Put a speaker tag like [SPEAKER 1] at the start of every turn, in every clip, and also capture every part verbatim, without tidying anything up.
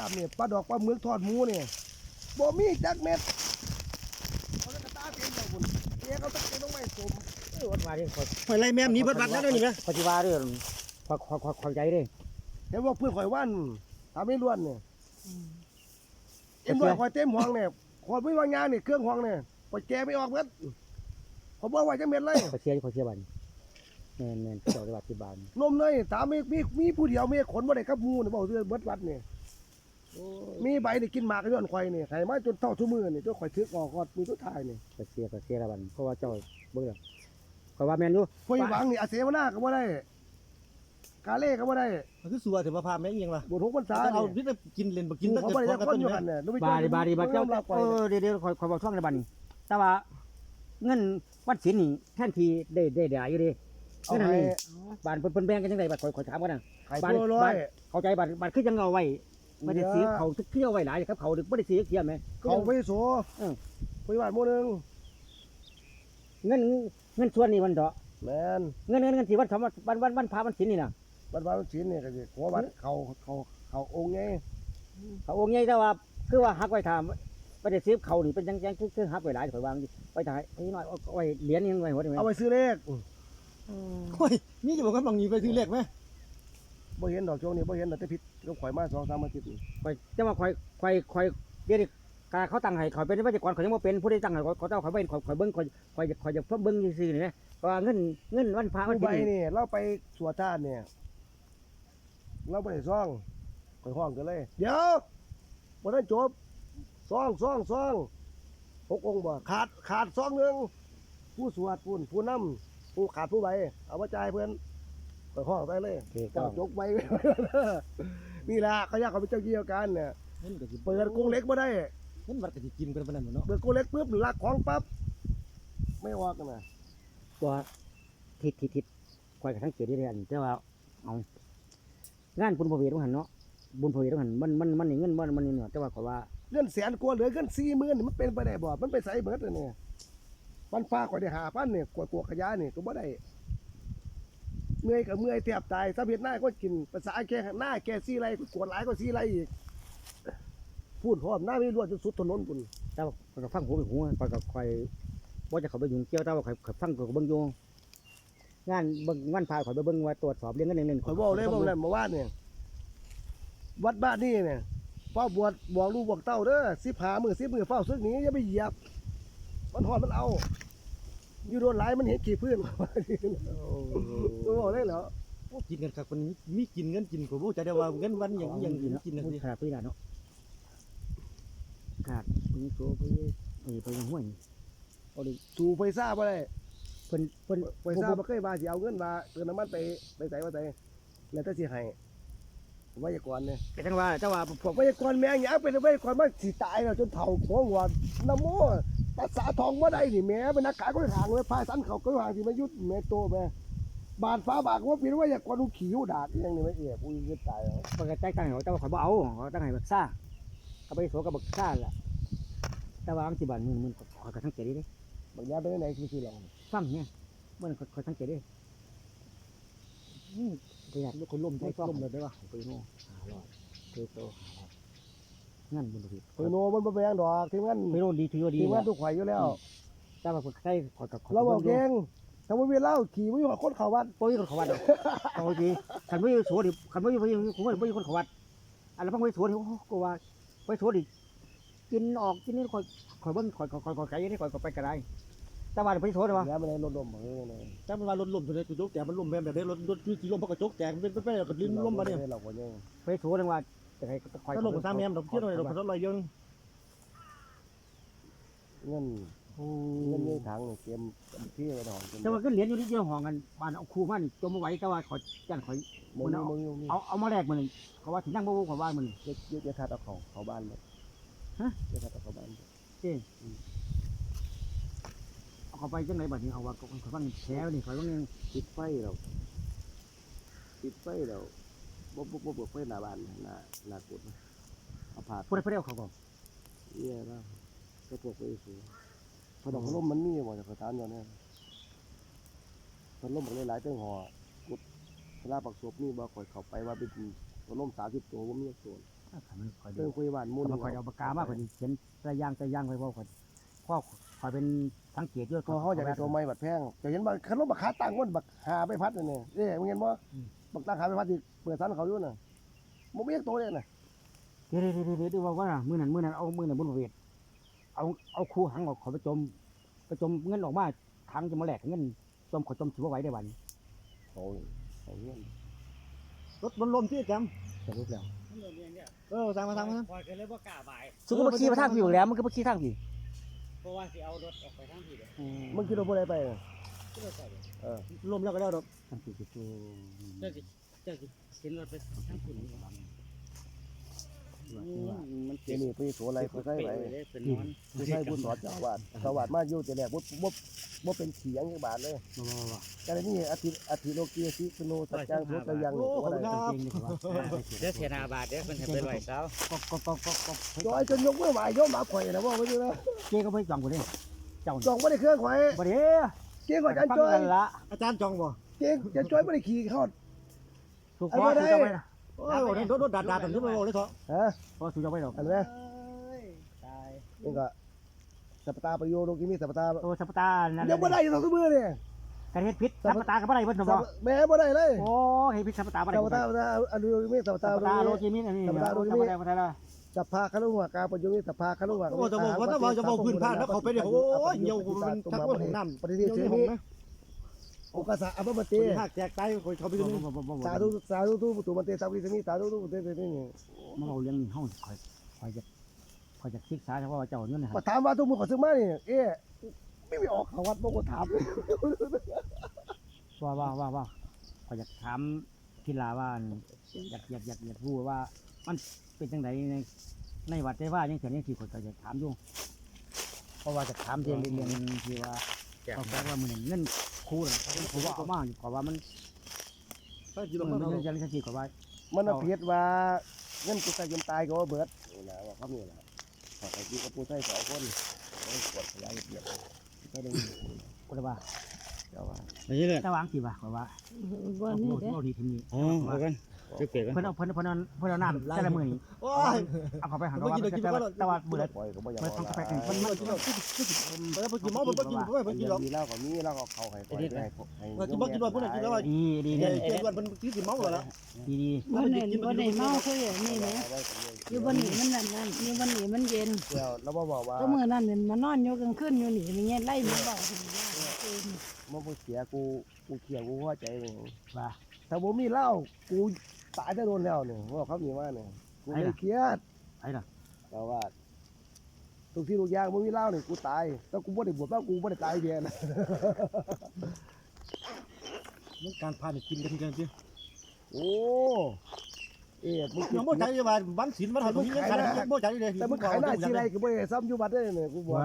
[SPEAKER 1] บเนี่ยปลาดอกปลาหมึกทอดหมูเนี่ยบ่มีจักเม็ดเขาจะกระตาเต็มเลยคุณเจ๊เขาต้องไปต้องไม่สม
[SPEAKER 2] เออวัดมาดิคอย
[SPEAKER 3] หอยไรแม่มนี้เบิดบัดแล้วนี่ไหม
[SPEAKER 2] คอยที่ว่าเรื่องคอยคอยคอยคอยใจดิ
[SPEAKER 1] เห็นว่าเพื่อนข่อยว่านทำให้ล้วนเนี่ยเอ็มด้วยข่อยเต็มห้องเนี่ยขอไม่วางงานเนี่ยเครื่องห้องเนี่ยข่อยแกไม่ออกเม็ดเขาบอกว่าจักเม็ดเลย
[SPEAKER 2] คอยเชียร์คอยเชียร์บันแมนแมนเจ้าได้บัตรที่บ้าน
[SPEAKER 1] นมเลยถามมีมีมีผู้เดียวมีขนบ่ได้กับหมูเนี่ยบอกเรื่องเบิดวัดเนี่ยมีใบได้กินหมากก็ย้อนข่อยเนี่ยไข่มาจนเท่าทุ่มือเนี่ยจนข่อยทึกออกกอดมือทุกทายเนี่ย
[SPEAKER 2] คอยเชียร์คอยเชียร์ละบันเพราะว่าเจ้าเบื่อคอยว่าแมนอยู่
[SPEAKER 1] ข่อยหวังนี่อาเสวนาก็บ่ได้กาเล่ก็บ่ได้
[SPEAKER 3] มันคือสัวถือมาพาแม่งยังล่ะ
[SPEAKER 1] บุญหกพรรษา
[SPEAKER 3] เอา
[SPEAKER 1] เนี่ย
[SPEAKER 3] พิษกินเล่นบ่กิน
[SPEAKER 1] เขา
[SPEAKER 3] ถ้าเกิด
[SPEAKER 1] บ่ได้
[SPEAKER 3] พอ
[SPEAKER 1] จะ
[SPEAKER 3] กัน
[SPEAKER 1] ค
[SPEAKER 3] ต้
[SPEAKER 1] น
[SPEAKER 3] น
[SPEAKER 1] อยู่
[SPEAKER 3] แม่
[SPEAKER 1] กันเนี่ย
[SPEAKER 2] บาดีบาดีบาเจ้าเออเดี๋ยวเดี๋ยวคอยคอยบอกช่วงในบันแต่ว่าเงินวัดศิลป์นี่แท่นทีได้ได้ได้อยู่ดิ
[SPEAKER 1] เอา
[SPEAKER 2] เงิน
[SPEAKER 1] ให้
[SPEAKER 2] นี่บ้านเพิ่นแบ่งกันยังไงบัดคอยคอยถามกันนะ
[SPEAKER 1] ไข่ตัวร้อย
[SPEAKER 2] เข้าใจบัดบัดคือยังเอาไว้ไม่ได้ซื้อเขาทุกเที่ยวไว้หลายครับเขาไม่ได้ซื้อเที่ยวไหม
[SPEAKER 1] เขาไปโสไปบ้านหมู่นึง
[SPEAKER 2] เงินเงินส่วนนี้มันเดาะ
[SPEAKER 1] แม่น
[SPEAKER 2] เงินเงินเงินที่วันทำวันวันวันพาวันศิลป์นี่นะ
[SPEAKER 1] บ้านบ้านศิลป์นี่ก็สิขอวัดเขาเขาเขาองค์ไง
[SPEAKER 2] เขาองค์ใหญ่แต่ว่าคือว่าหักไว้ทำไม่ได้ซื้อเขานี่เป็นยังยังคือคือหักไว้หลายถอยวางไว้ถ่ายไอ้น้อยเอาไว้เหรียญยังไว้หัวได้ไหม
[SPEAKER 1] เอาไปซื้อเลข
[SPEAKER 3] โอ้ยนี่จะบอกว่าบางนี้ไปซื้อเล็กไหม
[SPEAKER 1] บ่เห็นดอกโจงนี่บ่เห็นดอกแต่ผิดก็ข่อยมาสองสามอาทิตย์นี่
[SPEAKER 2] คอยจะมาคอยคอยคอยเดี๋ยวนี้กาเขาตั้งให้เขาเป็นวิศวกรเขายังไม่เป็นผู้ได้ตั้งให้เขาเจ้าเขาเป็นคอยคอยเบิ้งคอยคอยคอยจะเพิ่มเบิ้งซื่อๆนี่นะเพราะว่าเงินเงินวันพาวัน
[SPEAKER 1] ผู้
[SPEAKER 2] ศิ
[SPEAKER 1] ใบ
[SPEAKER 2] ลป์
[SPEAKER 1] นี่เราไปสวดทานเนี่ยเราบ่ได้ซ่องข่อยห้องกันเลย เดี๋ยวบ่ทันจบซ่องซ่องซ่องหกองค์บ่ขาดขาดซองหนึงผู้สวดผู้ผู้นำผู้ขาดผู้ใบเอามาจ่ายเพิ่นข่อยห้องไปเลย เจ้าจกไว้ นี่แหละเขาอยากเขาเป็นเจ้าเกี่ยวกันเนี่ย
[SPEAKER 3] เงินก็สิ
[SPEAKER 1] เปิดกรงเล็กมาได้
[SPEAKER 3] เงินวัดก็สิกินกันปานนั้นเนาะ
[SPEAKER 1] เปิดกรงเล็กปุ๊บลักของปั๊บไม่ออกกันนะ
[SPEAKER 2] ตัวทิศทิศทิศคอยกับทั้งเกียรติเรียนแต่ว่าเอางานบุญพระเวทต้องหันเนาะบุญพระเวทต้องหันมันมันมันนี่เงินมันมันนี่เนาะแต่ว่าเขาว่า
[SPEAKER 1] เงินแสนกว่าเหลือเงินสี่หมื่นนี่มันเป็นไปได้บ่มันไปใส่เบิดเลยเนี่ยมันฟ้าก่อยได้หาพันเนี่ยกวดตัวขยะนี่ก็บ่ได้เมื่อยกับเมื่อยแทบตายถ้าเพียรหน้าก็กินภาษาแก่หน้าแก่ซี่ไรกวดหลายก็ซี่ไรอีกพูดหอมหน้าไม่รวดจนสุดถนนปุ่น
[SPEAKER 2] แต่ว่าคอยก็ฟังหูไปหูคอยก็คอยว่าจะเขาไปยุ่งเกี่ยวแต่ว่าคอยคอยฟังคอยก็เบิ่งอยู่งานเบิ่งงานพาคอยไปเบิ่งว่าตรวจสอบเรื่องเงินเรื่องเงิน
[SPEAKER 1] ข่อยบอกเลยบอกเลยเมื่อวานเนี่ยวัดบ้านนี่เนี่ยเฝ้าบวชบอกลูกบอกเต้าเด้อสิบหามือสิบมือเฝ้าซึกหนี้อย่าไปเหยียบมันหอดมันเอา อยู่โดนหลายมันเห็นขี้พื้นตัวบอกได้เหรอ
[SPEAKER 3] โอ้กินกันครับคนมีกินเงินกินก็บ่ใจได้ว่าเงินวันอย่างอย่างอื่นกินกันสิ
[SPEAKER 2] ขาดพื้นเนาะขาดนี่โตไปไปไปยังห้วยเอาดิ
[SPEAKER 1] สู่ไฟซ่าบ่ได้
[SPEAKER 2] เพิ่นเพิ่น
[SPEAKER 1] ไฟซ่าบ่เคยมาสิเอาเงินมาเติมน้ำมันไปไปใส่มาใส่แล้วแต่สิให้ไวยากรณ์เนี่ย
[SPEAKER 2] แต่จังว่าเจ้าว่าพวก
[SPEAKER 1] ไวยากรณ์แม่งหยังเป็นไวยากรณ์มาสิตายแล้วจนเฒ่าหัวหัวน้ำโมภาษาทองบ่ได้นี่แม่เป็นนักขายก็ห่างเลยพายสันเขาก็ห่างสิมายุดแม่โตแม่บาดฟ้าบากว่าเป็นไวยากรณ์ขี้หูดาดอีหยังนี่แม่เอ๋อุ้ยจะตายแล้ว
[SPEAKER 2] เพิ่นก็ใจตั้งให้เขาแต่ว่าข่อยบ่เอาเขาตั้งให้แบบซ่าเขาไปโสกับบักซ่าล่ะแต่ว่าอังสิบาทหมื่นหมื่นข่อยก็สังเกตดิ
[SPEAKER 1] บางอย่างเป็นไหนคือสิหลอง
[SPEAKER 2] ฟังเนี่ยเมื่อข่อยสังเกตดิอืมประหยัด
[SPEAKER 3] คนล่มใจล่มเลยได้ป่ะ
[SPEAKER 2] ไปโน่หาร้อยเทโตหาร้อยงั้นบุญผิด
[SPEAKER 1] เออโนมันบ่แพงดอกทีมงาน
[SPEAKER 2] ไปโน่ดีถือว่าดี
[SPEAKER 1] ทีมงานทุกข่อยอยู่แล้ว
[SPEAKER 2] แต่ว่าคนใกล้ขอกับ
[SPEAKER 1] เราบอกเก่งถ้าบ่มีเหล้าขี่บ่อยู่กับคนเข้าวัด
[SPEAKER 2] ปุ้ยคนเขาวัดเอาจริงขันไม่สวนดิขันไม่ไม่ผมไม่คนเขาวัดอันนั้นพังไม่สวนดิโอ้ก็ว่าไปสวนดิกินออกกินนี่คอยคอยเบิ้งคอยคอยคอยไก่นี่คอยไปกระไรแต่ว่าไปสวนดิวะ
[SPEAKER 1] แล้วมันได้ลดลมเออเนี่ย
[SPEAKER 3] แต่มันว่าลดล่มตัวนี้ตัวโจ๊กแจกมันล่มแบบนี้รถรถมีกี่ล่มเพราะกระจกแจกเป็นไปกับลิ้นล่มมาเนี่ย
[SPEAKER 1] เราก็ยัง
[SPEAKER 2] ไปสวนดิว่าจะให้คอย
[SPEAKER 3] ถ้าล่มกับสามแมมดอกเที่ยวหน่อยดอกพันลอยยัง
[SPEAKER 1] เงิน
[SPEAKER 2] โอ้
[SPEAKER 1] เงินในถังนี่เตรียมที่ไว้ดอก
[SPEAKER 2] แต่ว่าก็เหรียญอยู่ที่เดียวห้องกันบ้านเอาคู่มันจมมาไว้แต่ว่าขอจันขอย
[SPEAKER 1] มึงมึงมึง
[SPEAKER 2] เอาเอามาแลกมันเขาว่าถึงนั่งบ่บ่ขอว่ามัน
[SPEAKER 1] เยอะเยอะทัดเอาเขาเขาบ้านเลย
[SPEAKER 2] ฮะ
[SPEAKER 1] เยอะทัดเอาเขาบ้าน
[SPEAKER 2] เจ้เอาเขาไปจังไรบัดนี้เอาว่าเขาเขาฟังแฉนี่เขาต้อง
[SPEAKER 1] ติดไฟเราติดไฟเราบ่บ่บ่เปิดไฟหน้าบ้านหน้าหน้ากุดเอาผ่า
[SPEAKER 2] พูดได้พูดได้เขาบอก
[SPEAKER 1] เนี่ยนะก็พวกไปสูพอดอกลมมันมีบ่จากสถานอยู่เนี่ยพัดลมมันหลายๆเรื่องหอกุดเวลาปักศพนี่บ่ค่อยเข้าไปว่าเป็นพัดลมสามสิบตัวบ่มีตัว
[SPEAKER 2] ถ้ามันคอย
[SPEAKER 1] เรื่
[SPEAKER 2] ดู
[SPEAKER 1] องคุยบ้านหมู่
[SPEAKER 2] มัน
[SPEAKER 1] นี่
[SPEAKER 2] คอยเอาปากกามาคอยเขียนแต่ย่างแต่ย่างไปว่าคอยพ่อคอยเป็นสังเกตด้วย
[SPEAKER 1] พอเขาอยากได้ตัวใหม่บัดแพงจะเห็นว่าคันรถบักขาตั้งมันบักหาไปพัดนี่เอ๊ะมึงเห็นบ่บักตั้งหาไปพัดที่เปิดสันเขาอยู่น่ะบ่มีตัวเลยน่ะ
[SPEAKER 2] เดี๋ยวเดี๋ยวเดี๋ยวเดี๋ยวว่าว่ามือนั้นมือนั้นเอามือนั้นบนเวทเอาเอาคู่หังออกขอไปจมไปจมเงินออกมาทางจะมาแหลกเงินจมขอจมถือว่าไหวได้วัน
[SPEAKER 1] โอ้ยเอาเงี้ย
[SPEAKER 3] รถมันลมที่จ
[SPEAKER 2] สรุปแล้ว
[SPEAKER 3] ำเออสั่งมาสั่งมา
[SPEAKER 4] คอยกันเลยบ่กล้าบ่าย
[SPEAKER 2] สุก็มาขี่มาทางพี่อยู่แล้วมันก็มาขี่ทางพี่
[SPEAKER 4] เพราะว่าสิเอารถออกไปทางที่เด้อ
[SPEAKER 1] มึงคิดว่าบ่ได้ไปน่ะ
[SPEAKER 4] ก็เลยใส่เด้อ
[SPEAKER 1] เออ
[SPEAKER 3] ลมแล้วก็แล้วดอก
[SPEAKER 2] ทางพี่จะตัว
[SPEAKER 4] เจ้าสิเจ้าสิเห็นรถไปทางคุณนี่มัน
[SPEAKER 1] เดี๋ยวนี้ไปโสอะไรไปใส่ไป
[SPEAKER 4] เป๊ะเลยเป็นนอน
[SPEAKER 1] ไปใส่บุญสอนเจ้าอาวาดเจ้าอาวาดมาอยู่แต่แรกบ่บ่บ่เป็นเขียงจังบาทเลย
[SPEAKER 2] มามามา
[SPEAKER 1] แต่นี่อาทิอาทิโลกีสิสโนสัจจังสุตยัง
[SPEAKER 3] โอ้ขอบ
[SPEAKER 1] อะไร
[SPEAKER 3] คุณครับ
[SPEAKER 2] เก่งดีกว่า
[SPEAKER 4] เดี๋ยวเสียหนาบาทเด้อเพิ่นให้ไปไว้เช้า
[SPEAKER 2] ก็ก็ก็ก็ก็
[SPEAKER 1] จอยจนยกมือไหวโยมหมาข่อยนะว่าไว้ดีนะ
[SPEAKER 2] เจ๊ก็ไม่จองกูเลยเจ้า
[SPEAKER 1] จองบ่ได้เครื่องข่อย
[SPEAKER 2] ประเดี๋ยว
[SPEAKER 1] เจ๊ข่อยจัน
[SPEAKER 2] ฟัง
[SPEAKER 1] จอย
[SPEAKER 2] กันละ
[SPEAKER 3] อาจารย์จองบ่
[SPEAKER 1] เจ๊จันจอยบ่ได้ขี่เข้า
[SPEAKER 2] ถูกพอถูกจะไปนะ
[SPEAKER 3] โอ้ยรถรถดาดดาตรงนี้มาบอกเลยเถอะ
[SPEAKER 1] ฮะ
[SPEAKER 2] พอถูกจะไปหรอก
[SPEAKER 1] อันนี้
[SPEAKER 4] ตาย
[SPEAKER 1] นี่ก็สัปตาประโยโลกิมีสัปตา
[SPEAKER 2] โอ้สัปตานั่น
[SPEAKER 1] ยังบ่ได้อยู่ทั้งมือเนี่ย
[SPEAKER 2] การเฮ็ดพิษสัปตากับอะไรเพิ่นบ่
[SPEAKER 1] แม่บ่ได้เลย
[SPEAKER 2] โอ้เฮ็ดพิษสัปตาบ่ได้
[SPEAKER 1] สัปตาสัปตาอันโลกิมีสัป
[SPEAKER 2] สั
[SPEAKER 1] ตา
[SPEAKER 2] ปตาโลจิมินอันนี้สัปตาโลจิมินบ่ได้ละ
[SPEAKER 1] สัพพาคารุหัวกาประโยมีสัพพาคารุหัว
[SPEAKER 3] โอ้จะบอกว่าถ้าว่าจะบอกพื้นผ้าแล้วเขาไปเดี๋ยวโอ้ยเหี่ยวมันทักว่าของน้ำ
[SPEAKER 1] ปฏิ
[SPEAKER 3] เหี่
[SPEAKER 1] ทิ
[SPEAKER 3] ย
[SPEAKER 1] น
[SPEAKER 3] ว
[SPEAKER 1] เชื่อ
[SPEAKER 3] นี่
[SPEAKER 1] มี
[SPEAKER 3] นะ
[SPEAKER 1] โอกาสะอัปปะเต
[SPEAKER 3] คนหักแจกตายคนเขาไปดูนี่
[SPEAKER 1] สาธุสาธุทุปุตุมันเตสาวิสมิสาธุทุปุเตเตนี่
[SPEAKER 2] มาเอาเรื่องนี้เฮาคอยคอยจะคอยจะศึกษาเฉพาะว่าเจ้าเนี่ยนะค
[SPEAKER 1] มา
[SPEAKER 2] รับ
[SPEAKER 1] ถามว่าทุกมือขอซื้อมานี่เอ๊ะไม่มีออกเขาวัดบ่ก็ถาม
[SPEAKER 2] ว่าว่าว่าว่าคอยจะถามกีฬาว่าอยากอยากอยากอยากรู้ว่ามันเป็นจังไดในในวัดได้ว่าจังซี่นี่สิข้อยก็จะถามอยู่เพราะว่าจะถามเรื่องเรื่องที่ว่าเขาบอกว่ามื้อนี้เงินครูน่ะเขาว่าเอามาอยู่กว่ามัน
[SPEAKER 3] ถ้าจี
[SPEAKER 2] มัน
[SPEAKER 3] ลงมา
[SPEAKER 2] มัน
[SPEAKER 3] เรา
[SPEAKER 2] ยังจังซี่กว่า
[SPEAKER 1] มันเอาเพียรว่าเงินกูตายจนตายก็ว่าเบิดนี่นะว่าเขามีนะขอไปกินกับปูไส้สองคนโอ้ยปวดขยายเปียกก็ได้
[SPEAKER 2] ก็เลยว่า
[SPEAKER 1] เจ้าว่า
[SPEAKER 4] ไปเรื่อย
[SPEAKER 2] แต่วางสิว่าก็ว่า
[SPEAKER 5] บ่
[SPEAKER 2] เอา
[SPEAKER 5] นี่
[SPEAKER 2] โลด
[SPEAKER 5] เด้
[SPEAKER 2] โลดนี่ทีนี้
[SPEAKER 4] อ๋อเอากันจะเก็บกัน
[SPEAKER 2] เพิ่นเอาเพิ่นเพิ่นเอาเพิ่นเอาน้ำแต่ละมื้อนี้
[SPEAKER 3] โอ้ย
[SPEAKER 2] เอาเข้าไปหันว่าแต่ว่าเบื่อ
[SPEAKER 1] ปล่อยก็บ่อยาก
[SPEAKER 2] เมื่อทำกาแฟกัน
[SPEAKER 3] มั
[SPEAKER 2] มัน น
[SPEAKER 3] มั
[SPEAKER 2] มัน น
[SPEAKER 3] กินเราเออไปกินเมาไปกินไปไปกินเรา
[SPEAKER 1] ดีแล้วก็มีแล้วก็เข้าให้ปล่อยให้ให้
[SPEAKER 3] เรากินบ่กินเราพวกนั้นกินแล้ว
[SPEAKER 2] ดีดี
[SPEAKER 3] เดี๋
[SPEAKER 2] ดี
[SPEAKER 3] ยวเจ๊วันมันกินเมาแล้ว
[SPEAKER 2] ดีดี
[SPEAKER 5] บ่ได้บ่ได้เมาคืออย่างนี้แหมอยู่บ่นี่มันนั่นนั่นอยู่บ่นี่มันเย็น
[SPEAKER 1] เดี๋ยวเราบอกว่า
[SPEAKER 5] ก็มื้อนั้นนี่มานอนอยู่กลางคืนอยู่นี่มีเงี้ยไล่มีเว้าถึงยากเอง
[SPEAKER 1] มันบ่เสียกูกูเขียวกูหัวใจนี่
[SPEAKER 2] ว่า
[SPEAKER 1] ถ้าบ่มีเหล้ากูตายจะโดนแล้วเนี่ยว่าเขามีว่าเนี่ยกูเลยเครียด
[SPEAKER 2] ไอ้ล่ะ
[SPEAKER 1] แต่ว่าทุกที่ทุกอย่างมึงมีเหล้าเนี่ยกูตายแต่กูไม่ได้บวชว่ากูไม่ได้ตายเดียนะ
[SPEAKER 3] มันการพาเนี่ยกินกันกันพี่
[SPEAKER 1] โอ้เอ๊ะมึง
[SPEAKER 3] ยังบ่ใจว่าวันศีลวันหันมีเงินขนาดนี้บ่ใจเลย
[SPEAKER 1] แต่มึงขายหน้าที่ไรก็ไม่ได้ซ้ำอยู่บัดได้เนี่ยกูบอก
[SPEAKER 2] ไว้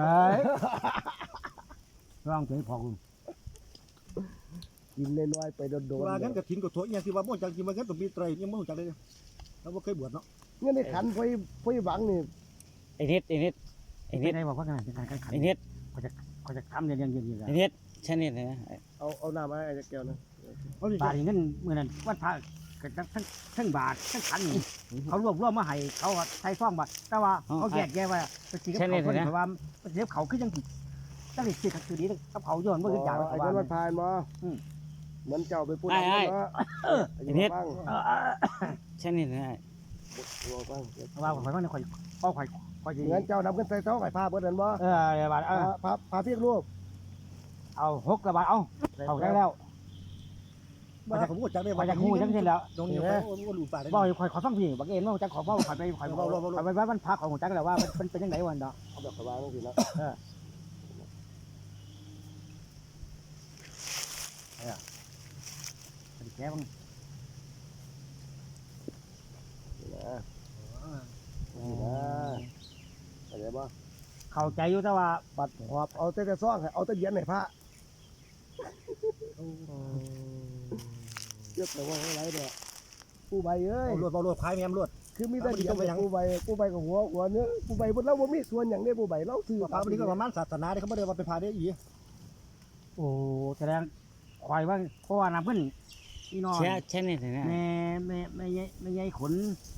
[SPEAKER 2] ร้องเพลงพอคุณ
[SPEAKER 1] กินน้อยๆไปโดน
[SPEAKER 3] ว่า
[SPEAKER 1] ๆ
[SPEAKER 3] งั้นกับถิ่นกับโถอย่างที่ว่าบ่จังกินมางั้นต้องมีไตรยังบ่จังเลยเราบ่เคยบวชเนาะ
[SPEAKER 1] เงี้ยในขันไฟไฟหวังนี่
[SPEAKER 4] ไอ้นิดไอ้นิดไอ้
[SPEAKER 2] ไอ้
[SPEAKER 4] นิ
[SPEAKER 2] นี่
[SPEAKER 4] ด
[SPEAKER 2] ได้บอกว่าขนาดการขัน
[SPEAKER 4] ไอ้นิด
[SPEAKER 2] เขาจะเขาจะทำเรื่องเรื่องเรื่อง
[SPEAKER 4] ไอ้นิดใช่นิดนะ
[SPEAKER 1] เอาเอาน้ำมาไอ้แก้วนะ
[SPEAKER 3] เอาดิ
[SPEAKER 2] บาทเงินเมื่อนั้นวันพระกันทั้งทั้งบาททั้งขันเขารวบรวมมาให้เขาใช้ซ่องบาทแต่ว่าเขาแยกแยะว่าเป็นสีกับเขาคนเพราะว่าเดี๋ยวเขาคือยังติดตั้งแต่สิคือดีกับเขาย้อนว่าคืออย่าง
[SPEAKER 1] ไอ้
[SPEAKER 2] ว่า
[SPEAKER 1] เจ้ามันพายมาเหมือนเจ้าไปพูดอะไรนะไอ้เนี่ยฟัง
[SPEAKER 4] ใช่นิดนะ
[SPEAKER 1] ฟัง
[SPEAKER 2] ว่าข่อยว่าเนี่ยข่อยพ่อข่อยข่อย
[SPEAKER 1] เหมือนเจ้านำขึ้นใส่ท้องไอ้ผ้าเบิดนั่นบ่
[SPEAKER 2] เออบาทเออ
[SPEAKER 1] ผ้าผ้าเพียงรูป
[SPEAKER 2] เอาหกกระบาทเอาเอาได้แล้ว
[SPEAKER 3] บ่ผมบ่จังได้
[SPEAKER 2] ข่อยจะคู่จังซี่แล้ว
[SPEAKER 3] ตรงนี้โอ้โหหลูป่าได้
[SPEAKER 2] บ่ข่อยขอฟังพี่บักเอ็นว่าจังขอเว้าข่อยไปข่อยข่อยไปว่ามันพาของจังแล้วว่ามันเป็นจังได๋วันดอก
[SPEAKER 1] เอาแบบสบายต้องสินะ
[SPEAKER 2] แก้บัง
[SPEAKER 1] นี่นะนี่นะอะไรบ่
[SPEAKER 2] เข้าใจอยู่แต่ว่า
[SPEAKER 1] ปัดหอบเอาแต่แต่ซ่องเอาแต่เย็นให้พระเยอะแต่ว่าอะไรเนี่ยผู้ใบเอ้ย
[SPEAKER 3] เอารวดเอารวดพายแม่มรวด
[SPEAKER 1] คือมีแต่เย็นผู้ใบผู้ใบกับหัวหัวเนื้อผู้ใบบนเราบ่มีส่วนอย่างนี้ผู้ใบเราซื้อ
[SPEAKER 3] พาวันนี้ก็ประมาณศาสนาที่เขาบ่ได้ว่าไปพาได้อี
[SPEAKER 2] โอ้แสดงข่อยว่าเพราะว่าน้ำเพิ่นพี่น้อง
[SPEAKER 4] ใช่ใช่นิดนะ
[SPEAKER 2] แม่แม่แม่ใหญ่แม่ใหญ่ขน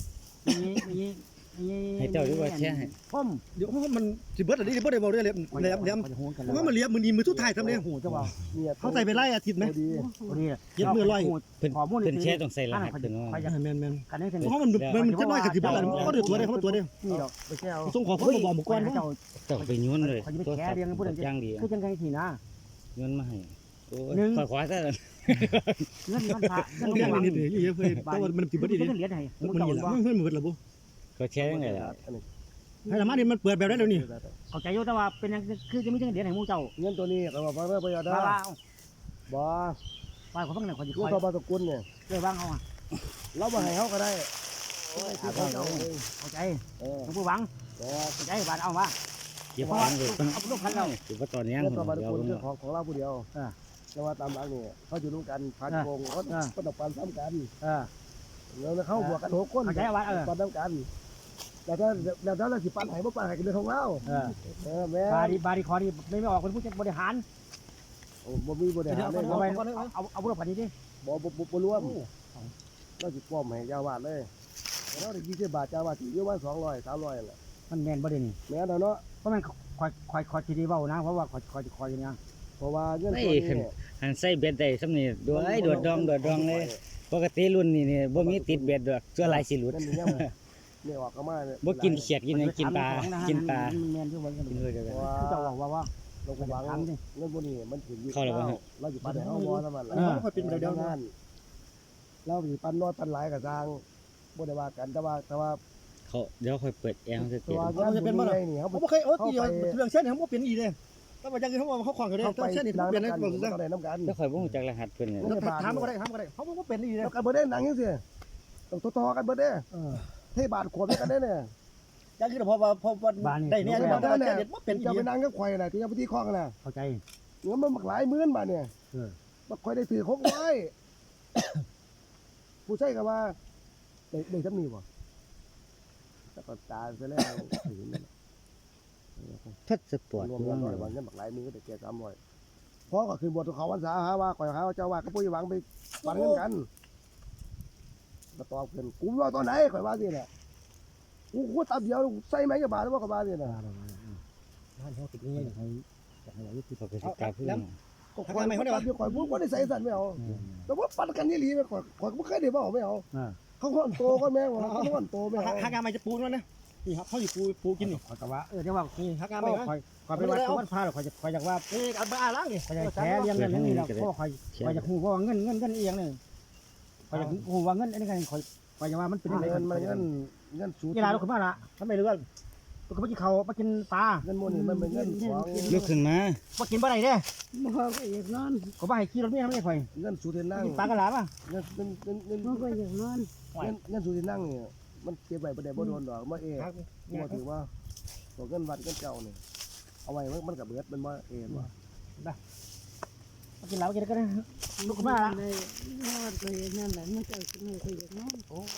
[SPEAKER 2] นี่นี่นี่
[SPEAKER 4] ให้เจ้าดีกว่าแชร์ให้
[SPEAKER 2] ผม
[SPEAKER 3] เดี๋ยวมันสิเบิดอันนี้สิบ่ได้เว้าได้เลยแหลมแหลมเพราะว่ามันเหลียมมือนี้มือสุดท้ายทำได้
[SPEAKER 2] หูเจ้าว่า
[SPEAKER 1] เนี่ย
[SPEAKER 3] เขาใส่ไปไล่อาทิตย์ไหม
[SPEAKER 1] ดี
[SPEAKER 2] พอดี
[SPEAKER 3] เย็ดมือร้อย
[SPEAKER 4] เพิ่น
[SPEAKER 2] ข้อมูล
[SPEAKER 4] เพิ่นแชร์ต้องใส่รหัสเพิ่นว่า
[SPEAKER 2] ใครจะ
[SPEAKER 3] แม่นแม่น
[SPEAKER 2] กันได้ถึง
[SPEAKER 3] เพราะมันมันมันจะน้อยกับสิบาทมันก็ได้ตัวได้เขาตัวได้
[SPEAKER 2] นี่ดอกไปแช่เอา
[SPEAKER 3] ส่งของเขาบอกหมู่กวน
[SPEAKER 2] เจ้า
[SPEAKER 4] เจ้าไปย้วนเลย
[SPEAKER 2] เขาจะไปแชร์เรียงกันพูดอย่าง
[SPEAKER 4] ย่างดี
[SPEAKER 2] คือจังไงทีนะ
[SPEAKER 4] ย้วนมาให้โอ้
[SPEAKER 2] หนึ่ง
[SPEAKER 4] ยขวาๆซะ
[SPEAKER 2] เงินมันพระเงิน
[SPEAKER 3] เรื่อง
[SPEAKER 2] มัน
[SPEAKER 3] นี้นี่เยอะเลยแต่ว่ามันสิบาทดี
[SPEAKER 2] เงินเหรียญให้
[SPEAKER 3] มันนี่แหละมันมันหมดแล้วบ่
[SPEAKER 4] ก็แชร์ยังไงล่ะ
[SPEAKER 3] ให้ละมานี่มันเปิดแบบได้แล้วนี่
[SPEAKER 2] เข้าใจอยู่แต่ว่าเป็นยังคือจะมีเงินเหรียญให้หมู่เจ้า
[SPEAKER 1] เงินตัวนี้ก็ว่าฟังเด้อประหยัด
[SPEAKER 2] ว่า
[SPEAKER 1] ได้
[SPEAKER 2] ว่า
[SPEAKER 1] บ่
[SPEAKER 2] ว่าเขาฟังหน่อยเขาจะ
[SPEAKER 1] ยู
[SPEAKER 2] คอย
[SPEAKER 1] โทบาสกุลเนี่ย
[SPEAKER 2] เลยว่างเอาอ่ะ
[SPEAKER 1] เราบ่ให้เฮาก็ได้คือเขาเจ้าเอง
[SPEAKER 2] เข้าใจ
[SPEAKER 1] เออ
[SPEAKER 2] หลวงปู่หวัง
[SPEAKER 1] แต่
[SPEAKER 2] เข้าใจบาดเอาว่า
[SPEAKER 4] เก็บฟังเลย
[SPEAKER 2] เอาลูกพันเรา
[SPEAKER 4] ถือว่าตอนนี้
[SPEAKER 1] เงินโทบาส
[SPEAKER 4] เดี๋ยว
[SPEAKER 1] กุล
[SPEAKER 4] เบิ่ง
[SPEAKER 1] คือของของเราผู้เดียวแต่ว่าตามหลังนี่เขาอยู่ร่วมกันพันโกงเขาก็ต้องปันซ้ำกัน
[SPEAKER 2] เออ
[SPEAKER 1] แล้วเขาบวกกันหกคน
[SPEAKER 2] เข้าใจว่าเออ
[SPEAKER 1] ปันซ้ำกันแต่ถ้าแล้วถ้าเราสิปันให้บ่ปันให้กันเรื่องของเรา
[SPEAKER 2] เออ
[SPEAKER 1] เออแม่
[SPEAKER 2] บาดีบาดีคอนี่ไม่ไม่ออกเป็นผู้จัดบริหาร
[SPEAKER 1] โอ้บ่มีบริหารเลย
[SPEAKER 2] เอาไปเอาเอาลูกพันนี้ดิ
[SPEAKER 1] บ่บ่บ่รวมเราสิป้อมให้เจ้าวาดเลยเราได้ยี่สิบบาทเจ้าวาดสิอยู่ว่าสองร้อยสามร้อยแหละ
[SPEAKER 2] มันแมนบ่ได้นี่
[SPEAKER 1] แม่นเนาะ
[SPEAKER 2] เพราะมันคอยคอยคอยทีดีเบ้านะเพราะว่าคอยคอยคอยอย่างเงี้ย
[SPEAKER 1] เพราะว่าเงิน
[SPEAKER 4] ไม่
[SPEAKER 1] ตัวนี้
[SPEAKER 4] ขึ้นหันใส่เบ็ดได้ซำนี่โดยโดดดองโดดดองเลยปกติรุ่นนี้นี่บ่มีติดเบ็ดดอกส่วนหลายสิหลุด
[SPEAKER 1] นั่นนี่เนี่ยออกก็มา
[SPEAKER 4] บ่กินเขียดกินหยังกินปลากินปลา
[SPEAKER 2] แมนที่วันกัน
[SPEAKER 4] กินเลยเดียวกัน
[SPEAKER 2] คือจะบอกว่าว่า
[SPEAKER 1] ลงไปวาง
[SPEAKER 2] ถามดิ
[SPEAKER 1] เงินพวกนี้มันถึงอยู่
[SPEAKER 4] เข้าแล้วบ่ฮะ
[SPEAKER 1] เราอยู่ปันให้เฮาบ่แล้วมัน
[SPEAKER 3] มันค่อยเป็นเดี๋ยว
[SPEAKER 1] งานเราสิปันน้อยปันหลายก็สร้างบ่ได้ว่ากันแต่ว่าแต่ว่า
[SPEAKER 4] เขาเดี๋ยวค่อยเปิดแอร์ให้เสร็จ
[SPEAKER 1] ตัวงานเป็นบ่ได้นี่เฮา
[SPEAKER 3] เขาบ่เคยโอ้ทีเดียวเรื่องเส้นเขาบ่เปลี่ยนอีเด้ถ้าว่าจังเขาว่าเขาขวางเขาได้
[SPEAKER 1] เขาไป
[SPEAKER 3] เส้นนี่
[SPEAKER 1] ล้าง
[SPEAKER 3] เปลี่ยนได้
[SPEAKER 1] น้ำ
[SPEAKER 3] บ่
[SPEAKER 1] กัน
[SPEAKER 3] ซั่น
[SPEAKER 1] บ่ได้น้ำกัน
[SPEAKER 4] แล้วค่อยบ่รู้จักรหัสเพิ่นเนี่ย
[SPEAKER 3] ถามก็ได้ถามก็ได้เขาบ่เป็นอีเด้
[SPEAKER 1] แล้วกันบ่ได้หนังจังซี่ต้องต่อๆกันเบิดเด้
[SPEAKER 3] เออ
[SPEAKER 1] เทบาทขวบกันได้เนี่ย
[SPEAKER 3] จังคือพอว่าพอได้เนี่ยบ่ได้เด็ดบ่เป็นอี
[SPEAKER 1] จะไป
[SPEAKER 3] เด้
[SPEAKER 1] นั่งกับข่อยน่ะที่จะไปที่คลองน่ะ
[SPEAKER 2] เข้าใจ
[SPEAKER 1] เงินมันบักหลายหมื่นบาทเนี่ย
[SPEAKER 2] เออ
[SPEAKER 1] บักข่อยได้ถือคกไว้ ผู้ใช้ก็ว่าได้ได้จำนี้บ่แล้วก็ตาไปแล้ว
[SPEAKER 4] ทัดสปอร์ต
[SPEAKER 1] รวมกันหน่อยว่าเงินบักหลายหมื่นก็ได้แก่สามร้อยพอก็คือบทเขาวันษาหาว่าข่อยหาว่าเจ้าว่าก็ปุ้ยหวังไปปันเงินกันก็ตอบเพิ่นกูว่าตอนไหนข่อยว่าสิน่ะกูกูตับเดียวใส่ไหมกับบาทแล้วบ่กับบาทนี่น่ะ
[SPEAKER 3] บ้านเขาติดนี่ให้ให้อายุที่
[SPEAKER 4] เขาก็สิกล้าพูดนะ
[SPEAKER 1] ก็ข่อยไม่ได้ว่าข่อยบ่บ่ได้ใส่สั่นไม่เอาแต่ว่าปันกันนี่หลีข่อยข่อยบ่เคยได้เว้าไม่เอา
[SPEAKER 2] อ่า
[SPEAKER 1] เขาห่อนโตก็แม่งว่าเขาห่อนโตไม่เอา
[SPEAKER 3] หางานมาจะปูนั่นนะนี่ครับเขาอยู่ปูปูกินนี่
[SPEAKER 2] คอยแต่ว่าเออเดี๋ยวว่า
[SPEAKER 3] นี่หางาน
[SPEAKER 2] ค
[SPEAKER 3] ไป
[SPEAKER 2] อย
[SPEAKER 3] นะ
[SPEAKER 2] คอยคอยไปวัดวัดพาหรอกคอยจะคอยอยากว่า
[SPEAKER 3] นี่เอาบ้าล้างนี่
[SPEAKER 2] คอยจะแฉเรียงเงินนี่แหละเพราะคอยคอยจะหูว่าเงินเงินเงินเอียงเนี่ยคอยจะหูว่าเงินอันนี้กันคอยคอยจะว่ามันเป็นยังไง
[SPEAKER 1] เงินมันเงินเงินสูง
[SPEAKER 2] กีฬาลุกขึ้นมาละทำไมเรื่องลุกขึ้นมากินเขามากินปลา
[SPEAKER 1] เงินโมนี่มันเป็นเงินของ
[SPEAKER 4] ลุกขึ้นมา
[SPEAKER 2] มากินปลาไหนเด้
[SPEAKER 5] บ่ก็อยากนอน
[SPEAKER 2] ก็มาให้ขี่รถเมียไม่ได้คอย
[SPEAKER 1] เงินสูงที่นั่ง
[SPEAKER 2] กินปลากระลาป่ะ
[SPEAKER 1] เงินเงินเงินเงิน
[SPEAKER 5] บ่ก็อยากนอน
[SPEAKER 1] เงินเงินสูงที่นั่งเนี่ยมันเก็บไว้ประเดี๋ยวบ่โดนดอกมาเอ๋บ่ถือว่าตัวเงินวัดเงินเจ้าเนี่ยเอาไว้มันกับเบิดมันมาเอ๋ว่า
[SPEAKER 2] มากินเหล้ากินก็ได้ลุกขึ้นมาละ
[SPEAKER 5] ได้นอนก็อย่างนั้นแหละมันก็ไม่ค่อยอยากนอน
[SPEAKER 1] โอ้